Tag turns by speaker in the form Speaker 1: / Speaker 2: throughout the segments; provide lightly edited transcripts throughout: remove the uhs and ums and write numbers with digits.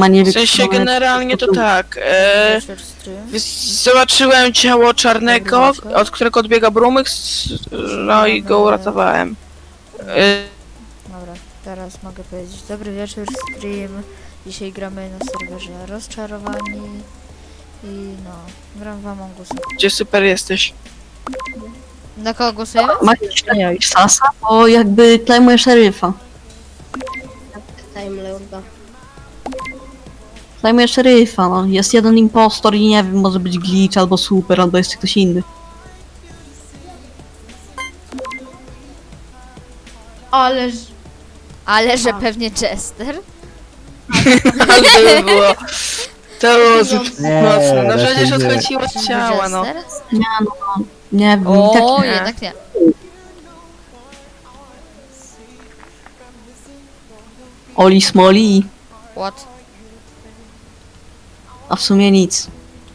Speaker 1: ma nie
Speaker 2: W sensie generalnie to tak.
Speaker 3: Wieczór stream.
Speaker 2: Zobaczyłem ciało czarnego, od którego odbiega Brumyx, no i go uratowałem.
Speaker 3: Dobra, teraz mogę powiedzieć. Dobry wieczór stream. Dzisiaj gramy na serwerze Rozczarowani. I no, gram w Among Us.
Speaker 2: Gdzie super jesteś?
Speaker 3: Na kogo głosujemy?
Speaker 1: Macie Sasa, bo jakby klejmuje szeryfa.
Speaker 4: Time Lorda.
Speaker 1: Klejmuje szeryfa, no. Jest jeden impostor i nie wiem, może być glitch, albo super, albo jeszcze ktoś inny.
Speaker 4: Ależ...
Speaker 3: Ale że pewnie Chester.
Speaker 2: To by było... To było zbyt
Speaker 5: Nie,
Speaker 2: mocne. No
Speaker 5: raczej
Speaker 2: przecież
Speaker 5: nie.
Speaker 2: odchodziło od ciała, no.
Speaker 3: Jester?
Speaker 1: Nie wiem,
Speaker 3: O,
Speaker 1: tak nie.
Speaker 3: jednak nie.
Speaker 1: Oli smoli,
Speaker 3: What?
Speaker 1: a w sumie nic.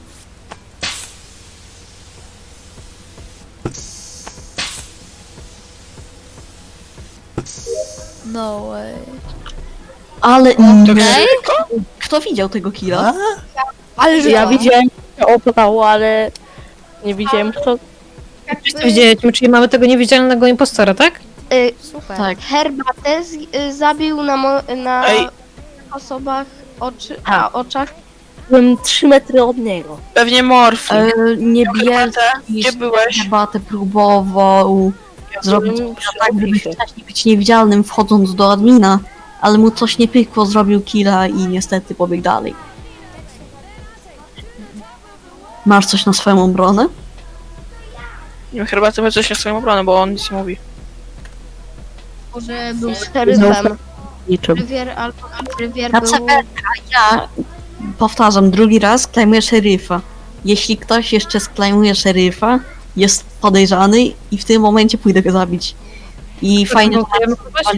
Speaker 3: No way.
Speaker 1: Ale
Speaker 2: To
Speaker 1: nie.
Speaker 2: wszystko?
Speaker 1: Kto widział tego killa?
Speaker 3: Ale że
Speaker 6: Ja widziałem, że opadało, ale nie widziałem kto.
Speaker 7: Wszyscy widzieliśmy, czyli mamy tego niewidzialnego impostora, tak?
Speaker 3: super.
Speaker 1: Tak.
Speaker 4: Herbatę zabił na
Speaker 2: Ej.
Speaker 4: osobach oczach.
Speaker 6: Byłem 3 metry od niego.
Speaker 2: Pewnie Morfling.
Speaker 1: Niebielski
Speaker 2: Gdzie byłeś?
Speaker 1: herbatę próbował zrobić
Speaker 6: byłem przy
Speaker 1: tak, żeby
Speaker 6: opisie.
Speaker 1: wcześniej być niewidzialnym wchodząc do admina, ale mu coś nie pykło, zrobił killa i niestety pobiegł dalej. Masz coś na swoją obronę?
Speaker 2: Chyba ty coś na swoją obronę, bo on nic nie mówi.
Speaker 4: Może był szeryfem.
Speaker 6: Niczym.
Speaker 4: Rywier
Speaker 1: Na
Speaker 4: był...
Speaker 1: ja powtarzam drugi raz, klejmuję szeryfa. Jeśli ktoś jeszcze sklejmuje szeryfa, jest podejrzany i w tym momencie pójdę go zabić. I fajnie, że
Speaker 7: Próbujemy próbować?